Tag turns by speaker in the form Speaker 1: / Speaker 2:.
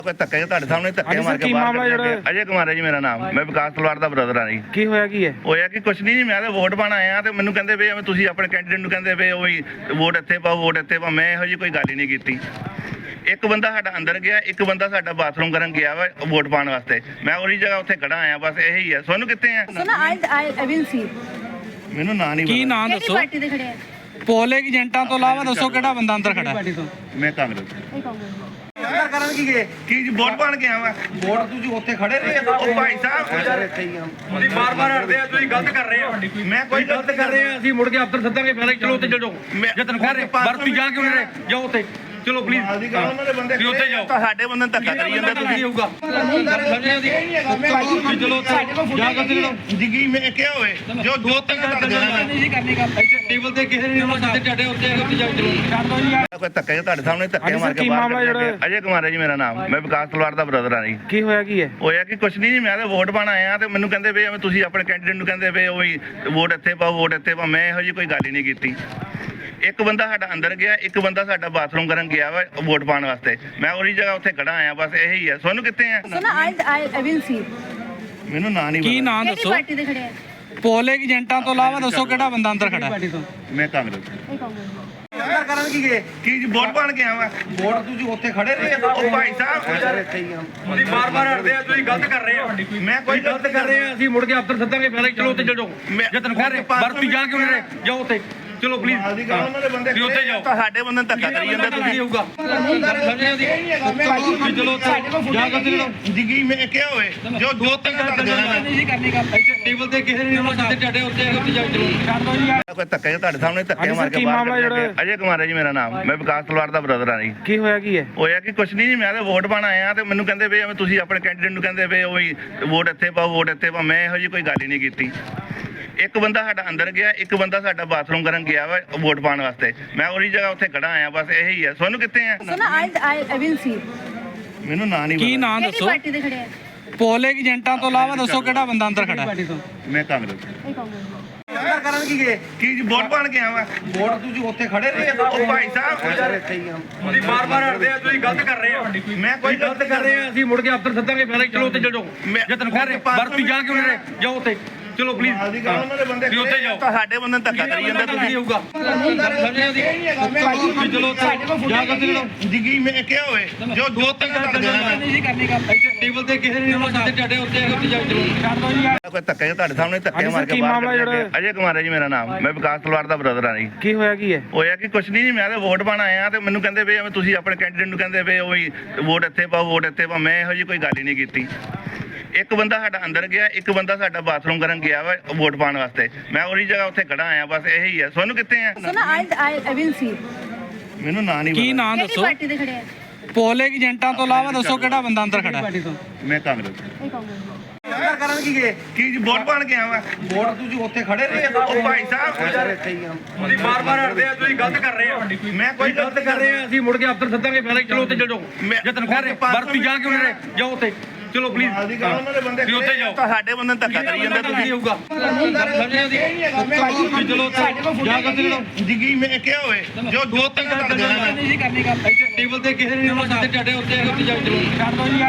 Speaker 1: ਕੋਈ ਧੱਕੇ ਤੁਹਾਡੇ ਸਾਹਮਣੇ ਧੱਕੇ ਮਾਰ ਕੇ ਬਾਹਰ ਕੱਢਿਆ। ਅਜੇ ਕੁਮਾਰ ਹੈ ਜੀ ਮੇਰਾ ਨਾਮ। ਮੈਂ ਵਿਕਾਸ ਤਲਵਾਰ ਦਾ ਬ੍ਰਦਰ ਹਾਂ ਜੀ।
Speaker 2: ਕੀ ਹੋਇਆ ਕੀ ਹੈ?
Speaker 1: ਹੋਇਆ ਕਿ ਕੁਛ ਨਹੀਂ ਜੀ, ਮੈਂ ਤਾਂ ਵੋਟ ਪਾਣ ਆਇਆ ਤੇ ਮੈਨੂੰ ਕਹਿੰਦੇ ਪਏ ਤੁਸੀਂ ਆਪਣੇ ਕੈਂਡੀਡੇਟ ਨੂੰ ਕਹਿੰਦੇ ਪਏ ਉਹ ਹੀ ਵੋਟ ਇੱਥੇ ਪਾਓ ਵੋਟ ਇੱਥੇ ਪਾਓ। ਮੈਂ ਇਹੋ ਜਿਹੀ ਕੋਈ ਗੱਲ ਹੀ ਨਹੀਂ ਕੀਤੀ। ਇੱਕ ਬੰਦਾ ਸਾਡਾ ਅੰਦਰ ਗਿਆ, ਇੱਕ ਬੰਦਾ ਸਾਡਾ ਬਾਥਰੂਮ ਕਰਨ ਗਿਆ ਵਾ ਵੋਟ ਪਾਉਣ ਵਾਸਤੇ। ਮੈਂ ਉਹਦੀ ਜਗ੍ਹਾ ਉੱਥੇ ਖੜਾ ਆਇਆ, ਬਸ ਇਹੀ ਹੈ। ਸੋਨੂੰ ਕਿੱਥੇ ਆ?
Speaker 3: I will see।
Speaker 1: ਮੈਨੂੰ ਨਾਂ ਨਹੀਂ
Speaker 2: ਕੀ
Speaker 1: ਪਤਾ।
Speaker 2: ਨਾਂ ਦੱਸੋ?
Speaker 3: ਪਾਰਟੀ ਦੇ ਖੜੇ ਆ?
Speaker 2: ਪੋਲਿੰਗ ਏਜੰਟਾਂ ਤੋਂ ਇਲਾਵਾ ਦੱਸੋ ਕਿਹੜਾ ਬੰਦਾ ਅੰਦਰ ਖੜਾ ਹੈ?
Speaker 1: ਮੈਂ ਕਾਂਗਰਸ।
Speaker 3: ਇਹ ਕਾਂਗਰਸ।
Speaker 4: ਕਰਨ ਕੀ ਗਏ?
Speaker 1: ਕੀ ਜੀ ਵੋਟ ਪਾਣ ਗਿਆ ਵਾ?
Speaker 4: ਵੋਟ ਤੁਸੀਂ ਉੱਥੇ ਖੜੇ ਰਹੇ
Speaker 1: ਉਹ ਭਾਈ ਸਾਹਿਬ
Speaker 4: ਯਾਰ ਇੱਥੇ ਹੀ ਆ। ਤੁਸੀਂ ਬਾਰ-ਬਾਰ ਹਟਦੇ ਆ, ਤੁਸੀਂ ਗਲਤ ਕਰ ਰਹੇ ਆ।
Speaker 1: ਮੈਂ ਕੋਈ
Speaker 4: ਗਲਤ ਕਰ ਰਹੇ ਆ, ਅਸੀਂ ਮੁੜ ਕੇ ਅਫਸਰ ਸੱਦਾਂਗੇ। ਪਹਿਲਾਂ ਚਲੋ ਉੱਥੇ ਚਲੋ ਜੇ ਤੈਨੂੰ ਕਹਿ ਰਹੇ ਵਰਤੀ ਜਾ ਕੇ ਉਹਨੇ ਜਾਓ ਉੱਥੇ ਚਲੋ ਪਲੀਜ਼
Speaker 1: ਉਹਨਾਂ ਦੇ ਬੰਦੇ
Speaker 4: ਉੱਥੇ ਜਾਓ।
Speaker 1: ਤੁਹਾਡੇ ਬੰਦੇ ਨੂੰ ਧੱਕਾ ਕਰੀ ਜਾਂਦੇ ਤੁਸੀਂ।
Speaker 4: ਹੋਊਗਾ ਚਲੋ ਉੱਥੇ ਜਾ ਕੇ ਚਲੋ
Speaker 1: ਜਿਗੀ ਮੈਂ ਕਿਹਾ ਹੋਵੇ ਜੋ
Speaker 4: ਦੋ ਤਿੰਨ ਗੱਲ ਕਰਨੀ ਗੱਲ ਟੇਬਲ ਤੇ ਕਿਸੇ ਨੇ ਉਹਨਾਂ ਜਿੱਥੇ ਟੱਡੇ ਉੱਤੇ ਜਾਓ ਚਲੋ
Speaker 1: ਕੋਈ ਧੱਕੇ ਤੁਹਾਡੇ ਸਾਹਮਣੇ ਧੱਕੇ ਮਾਰ ਕੇ ਬਾਹਰ ਕੱਢਿਆ। ਅਜੇ ਕੁਮਾਰ ਹੈ ਜੀ ਮੇਰਾ ਨਾਮ। ਮੈਂ ਵਿਕਾਸ ਤਲਵਾਰ ਦਾ ਬ੍ਰਦਰ ਹਾਂ ਜੀ।
Speaker 2: ਕੀ ਹੋਇਆ ਕੀ ਹੈ?
Speaker 1: ਹੋਇਆ ਕਿ ਕੁਛ ਨਹੀਂ ਜੀ, ਮੈਂ ਤਾਂ ਵੋਟ ਪਾਣ ਆਇਆ ਤੇ ਮੈਨੂੰ ਕਹਿੰਦੇ ਪਏ ਤੁਸੀਂ ਆਪਣੇ ਕੈਂਡੀਡੇਟ ਨੂੰ ਕਹਿੰਦੇ ਪਏ ਉਹ ਹੀ ਵੋਟ ਇੱਥੇ ਪਾਓ ਵੋਟ ਇੱਥੇ ਪਾਓ। ਮੈਂ ਇਹੋ ਜਿਹੀ ਕੋਈ ਗੱਲ ਹੀ ਨਹੀਂ ਕੀਤੀ। ਇੱਕ ਬੰਦਾ ਸਾਡਾ ਅੰਦਰ ਗਿਆ, ਇੱਕ ਬੰਦਾ ਸਾਡਾ ਬਾਥਰੂਮ ਕਰਨ ਗਿਆ ਵਾ ਵੋਟ ਪਾਉਣ ਵਾਸਤੇ। ਮੈਂ ਉਹਦੀ ਜਗ੍ਹਾ ਉੱਥੇ ਖੜਾ ਆਇਆ, ਬਸ ਇਹੀ ਹੈ। ਸੋਨੂੰ ਕਿੱਥੇ ਆ?
Speaker 3: I will see।
Speaker 1: ਮੈਨੂੰ ਨਾਂ ਨਹੀਂ
Speaker 2: ਕੀ
Speaker 1: ਪਤਾ।
Speaker 2: ਨਾਂ ਦੱਸੋ?
Speaker 3: ਪਾਰਟੀ ਦੇ ਖੜੇ ਆ?
Speaker 2: ਪੋਲਿੰਗ ਏਜੰਟਾਂ ਤੋਂ ਇਲਾਵਾ ਦੱਸੋ ਕਿਹੜਾ ਬੰਦਾ ਅੰਦਰ ਖੜਾ ਹੈ?
Speaker 1: ਮੈਂ ਕਾਂਗਰਸ।
Speaker 3: ਇਹ ਕਾਂਗਰਸ।
Speaker 4: ਕਰਨ ਕੀ ਗਏ?
Speaker 1: ਕੀ ਜੀ ਵੋਟ ਪਾਣ ਗਿਆ ਵਾ?
Speaker 4: ਵੋਟ ਤੁਸੀਂ ਉੱਥੇ ਖੜੇ ਰਹੇ
Speaker 1: ਉਹ ਭਾਈ ਸਾਹਿਬ
Speaker 4: ਯਾਰ ਇੱਥੇ ਹੀ ਆ। ਤੁਸੀਂ ਬਾਰ-ਬਾਰ ਹਟਦੇ ਆ, ਤੁਸੀਂ ਗਲਤ ਕਰ ਰਹੇ ਆ।
Speaker 1: ਮੈਂ ਕੋਈ
Speaker 4: ਗਲਤ ਕਰ ਰਹੇ ਆ, ਅਸੀਂ ਮੁੜ ਕੇ ਅਫਸਰ ਸੱਦਾਂਗੇ। ਪਹਿਲਾਂ ਚਲੋ ਉੱਥੇ ਚਲੋ ਜੇ ਤੈਨੂੰ ਕਹਿ ਰਹੇ ਵਰਤੀ ਜਾ ਕੇ ਉਹਨੇ ਜਾਓ ਉੱਥੇ ਚਲੋ ਪਲੀਜ਼
Speaker 1: ਉਹਨਾਂ ਦੇ ਬੰਦੇ
Speaker 4: ਉੱਥੇ ਜਾਓ।
Speaker 1: ਤੁਹਾਡੇ ਬੰਦੇ ਨੂੰ ਧੱਕਾ ਕਰੀ ਜਾਂਦੇ ਤੁਸੀਂ।
Speaker 4: ਹੋਊਗਾ ਚਲੋ ਉੱਥੇ ਜਾ ਕੇ ਚਲੋ
Speaker 1: ਜਿਗੀ ਮੈਂ ਕਿਹਾ ਹੋਵੇ ਜੋ
Speaker 4: ਦੋ ਤਿੰਨ ਗੱਲ ਕਰਨੀ ਗੱਲ ਟੇਬਲ ਤੇ ਕਿਸੇ ਨੇ ਉਹਨਾਂ ਜਿੱਥੇ ਟੱਡੇ ਉੱਤੇ ਜਾਓ ਚਲੋ
Speaker 1: ਕੋਈ ਧੱਕੇ ਤੁਹਾਡੇ ਸਾਹਮਣੇ ਧੱਕੇ ਮਾਰ ਕੇ ਬਾਹਰ ਕੱਢਿਆ। ਅਜੇ ਕੁਮਾਰ ਹੈ ਜੀ ਮੇਰਾ ਨਾਮ। ਮੈਂ ਵਿਕਾਸ ਤਲਵਾਰ ਦਾ ਬ੍ਰਦਰ ਹਾਂ ਜੀ।
Speaker 2: ਕੀ ਹੋਇਆ ਕੀ ਹੈ?
Speaker 1: ਹੋਇਆ ਕਿ ਕੁਛ ਨਹੀਂ ਜੀ, ਮੈਂ ਤਾਂ ਵੋਟ ਪਾਣ ਆਇਆ ਤੇ ਮੈਨੂੰ ਕਹਿੰਦੇ ਪਏ ਤੁਸੀਂ ਆਪਣੇ ਕੈਂਡੀਡੇਟ ਨੂੰ ਕਹਿੰਦੇ ਪਏ ਉਹ ਹੀ ਵੋਟ ਇੱਥੇ ਪਾਓ ਵੋਟ ਇੱਥੇ ਪਾਓ। ਮੈਂ ਇਹੋ ਜਿਹੀ ਕੋਈ ਗੱਲ ਹੀ ਨਹੀਂ ਕੀਤੀ। ਇੱਕ ਬੰਦਾ ਸਾਡਾ ਅੰਦਰ ਗਿਆ, ਇੱਕ ਬੰਦਾ ਸਾਡਾ ਬਾਥਰੂਮ ਕਰਨ ਗਿਆ ਵਾ ਵੋਟ ਪਾਉਣ ਵਾਸਤੇ। ਮੈਂ ਉਹਦੀ ਜਗ੍ਹਾ ਉੱਥੇ ਖੜਾ ਆਇਆ, ਬਸ ਇਹੀ ਹੈ। ਸੋਨੂੰ ਕਿੱਥੇ ਆ?
Speaker 3: I will see।
Speaker 1: ਮੈਨੂੰ ਨਾਂ ਨਹੀਂ
Speaker 2: ਕੀ
Speaker 1: ਪਤਾ।
Speaker 2: ਨਾਂ ਦੱਸੋ?
Speaker 3: ਪਾਰਟੀ ਦੇ ਖੜੇ ਆ?
Speaker 2: ਪੋਲਿੰਗ ਏਜੰਟਾਂ ਤੋਂ ਇਲਾਵਾ ਦੱਸੋ ਕਿਹੜਾ ਬੰਦਾ ਅੰਦਰ ਖੜਾ ਹੈ?
Speaker 1: ਮੈਂ ਕਾਂਗਰਸ।
Speaker 3: ਇਹ ਕਾਂਗਰਸ।
Speaker 4: ਕਰਨ ਕੀ ਗਏ?
Speaker 1: ਕੀ ਜੀ ਵੋਟ ਪਾਣ ਗਿਆ ਵਾ?
Speaker 4: ਵੋਟ ਤੁਸੀਂ ਉੱਥੇ ਖੜੇ ਰਹੇ
Speaker 1: ਉਹ ਭਾਈ ਸਾਹਿਬ
Speaker 4: ਯਾਰ ਇੱਥੇ ਹੀ ਆ। ਤੁਸੀਂ ਬਾਰ-ਬਾਰ ਹਟਦੇ ਆ, ਤੁਸੀਂ ਗਲਤ ਕਰ ਰਹੇ ਆ।
Speaker 1: ਮੈਂ ਕੋਈ
Speaker 4: ਗਲਤ ਕਰ ਰਹੇ ਆ, ਅਸੀਂ ਮੁੜ ਕੇ ਅਫਸਰ ਸੱਦਾਂਗੇ। ਪਹਿਲਾਂ ਚਲੋ ਉੱਥੇ ਚਲੋ ਜੇ ਤੈਨੂੰ ਕਹਿ ਰਹੇ ਵਰਤੀ ਜਾ ਕੇ ਉਹਨੇ ਜਾਓ ਉੱਥੇ ਚਲੋ ਪਲੀਜ਼
Speaker 1: ਉਹਨਾਂ ਦੇ ਬੰਦੇ
Speaker 4: ਉੱਥੇ ਜਾਓ।
Speaker 1: ਤੁਹਾਡੇ ਬੰਦੇ ਨੂੰ ਧੱਕਾ ਕਰੀ ਜਾਂਦੇ ਤੁਸੀਂ।
Speaker 4: ਹੋਊਗਾ ਚਲੋ ਉੱਥੇ ਜਾ ਕੇ ਚਲੋ
Speaker 1: ਜਿਗੀ ਮੈਂ ਕਿਹਾ ਹੋਵੇ ਜੋ
Speaker 4: ਦੋ ਤਿੰਨ ਗੱਲ ਕਰਨੀ ਗੱਲ ਟੇਬਲ ਤੇ ਕਿਸੇ ਨੇ ਉਹਨਾਂ ਜਿੱਥੇ ਟੱਡੇ ਉੱਤੇ ਜਾਓ ਚਲੋ
Speaker 1: ਕੋਈ ਧੱਕੇ ਤੁਹਾਡੇ ਸਾਹਮਣੇ ਧੱਕੇ ਮਾਰ ਕੇ ਬਾਹਰ ਕੱਢਿਆ। ਅਜੇ ਕੁਮਾਰ ਹੈ ਜੀ ਮੇਰਾ ਨਾਮ। ਮੈਂ ਵਿਕਾਸ ਤਲਵਾਰ ਦਾ ਬ੍ਰਦਰ ਹਾਂ ਜੀ।
Speaker 2: ਕੀ ਹੋਇਆ ਕੀ ਹੈ?
Speaker 1: ਹੋਇਆ ਕਿ ਕੁਛ ਨਹੀਂ ਜੀ, ਮੈਂ ਤਾਂ ਵੋਟ ਪਾਣ ਆਇਆ ਤੇ ਮੈਨੂੰ ਕਹਿੰਦੇ ਪਏ ਤੁਸੀਂ ਆਪਣੇ ਕੈਂਡੀਡੇਟ ਨੂੰ ਕਹਿੰਦੇ ਪਏ ਉਹ ਹੀ ਵੋਟ ਇੱਥੇ ਪਾਓ ਵੋਟ ਇੱਥੇ ਪਾਓ। ਮੈਂ ਇਹੋ ਜਿਹੀ ਕੋਈ ਗੱਲ ਹੀ ਨਹੀਂ ਕੀਤੀ। ਇੱਕ ਬੰਦਾ ਸਾਡਾ ਅੰਦਰ ਗਿਆ, ਇੱਕ ਬੰਦਾ ਸਾਡਾ ਬਾਥਰੂਮ ਕਰਨ ਗਿਆ ਵਾ ਵੋਟ ਪਾਉਣ ਵਾਸਤੇ। ਮੈਂ ਉਹਦੀ ਜਗ੍ਹਾ ਉੱਥੇ ਖੜਾ ਆਇਆ, ਬਸ ਇਹੀ ਹੈ। ਸੋਨੂੰ ਕਿੱਥੇ ਆ?
Speaker 3: I will see।
Speaker 1: ਮੈਨੂੰ ਨਾਂ ਨਹੀਂ
Speaker 2: ਕੀ
Speaker 1: ਪਤਾ।
Speaker 2: ਨਾਂ ਦੱਸੋ?
Speaker 3: ਪਾਰਟੀ ਦੇ ਖੜੇ ਆ?
Speaker 2: ਪੋਲਿੰਗ ਏਜੰਟਾਂ ਤੋਂ ਇਲਾਵਾ ਦੱਸੋ ਕਿਹੜਾ ਬੰਦਾ ਅੰਦਰ ਖੜਾ ਹੈ?
Speaker 1: ਮੈਂ ਕਾਂਗਰਸ।
Speaker 3: ਇਹ ਕਾਂਗਰਸ।
Speaker 4: ਕਰਨ ਕੀ ਗਏ?
Speaker 1: ਕੀ ਜੀ ਵੋਟ ਪਾਣ ਗਿਆ ਵਾ?
Speaker 4: ਵੋਟ ਤੁਸੀਂ ਉੱਥੇ ਖੜੇ ਰਹੇ
Speaker 1: ਉਹ ਭਾਈ ਸਾਹਿਬ
Speaker 4: ਯਾਰ ਇੱਥੇ ਹੀ ਆ। ਤੁਸੀਂ ਬਾਰ-ਬਾਰ ਹਟਦੇ ਆ, ਤੁਸੀਂ ਗਲਤ ਕਰ ਰਹੇ ਆ।
Speaker 1: ਮੈਂ ਕੋਈ
Speaker 4: ਗਲਤ ਕਰ ਰਹੇ ਆ, ਅਸੀਂ ਮੁੜ ਕੇ ਅਫਸਰ ਸੱਦਾਂਗੇ। ਪਹਿਲਾਂ ਚਲੋ ਉੱਥੇ ਚਲੋ ਜੇ ਤੈਨੂੰ ਕਹਿ ਰਹੇ ਵਰਤੀ ਜਾ ਕੇ ਉਹਨੇ ਜਾਓ ਉੱਥੇ ਚਲੋ ਪਲੀਜ਼
Speaker 1: ਉਹਨਾਂ ਦੇ ਬੰਦੇ
Speaker 4: ਉੱਥੇ ਜਾਓ।
Speaker 1: ਤੁਹਾਡੇ ਬੰਦੇ ਨੂੰ ਧੱਕਾ ਕਰੀ ਜਾਂਦੇ ਤੁਸੀਂ।
Speaker 4: ਹੋਊਗਾ ਚਲੋ ਉੱਥੇ ਜਾ ਕੇ ਚਲੋ
Speaker 1: ਜਿਗੀ ਮੈਂ ਕਿਹਾ ਹੋਵੇ ਜੋ
Speaker 4: ਦੋ ਤਿੰਨ ਗੱਲ ਕਰਨੀ ਗੱਲ ਟੇਬਲ ਤੇ ਕਿਸੇ ਨੇ ਉਹਨਾਂ ਜਿੱਥੇ ਟੱਡੇ ਉੱਤੇ ਜਾਓ ਚਲੋ